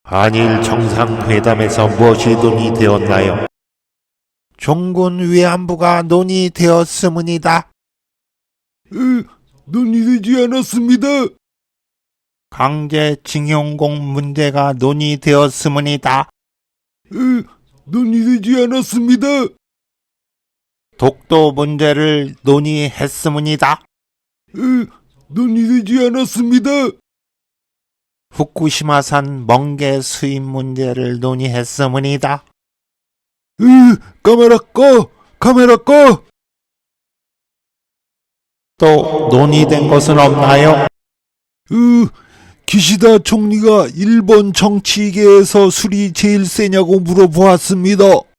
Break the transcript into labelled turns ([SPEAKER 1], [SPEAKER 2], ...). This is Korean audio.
[SPEAKER 1] 한일 정상회담에서 무엇이 논의되었나요? 종군 위안부가 논의되었음니다.
[SPEAKER 2] 논의되지 않았습니다.
[SPEAKER 1] 강제징용공 문제가 논의되었음니다.
[SPEAKER 2] 논의되지 않았습니다.
[SPEAKER 1] 독도 문제를 논의했음니다.
[SPEAKER 2] 논의되지 않았습니다.
[SPEAKER 1] 후쿠시마산 멍게 수입 문제를 논의했음니다.
[SPEAKER 2] 카메라 꺼! 카메라 꺼!
[SPEAKER 1] 또 논의된 것은 없나요?
[SPEAKER 2] 기시다 총리가 일본 정치계에서 술이 제일 세냐고 물어보았습니다.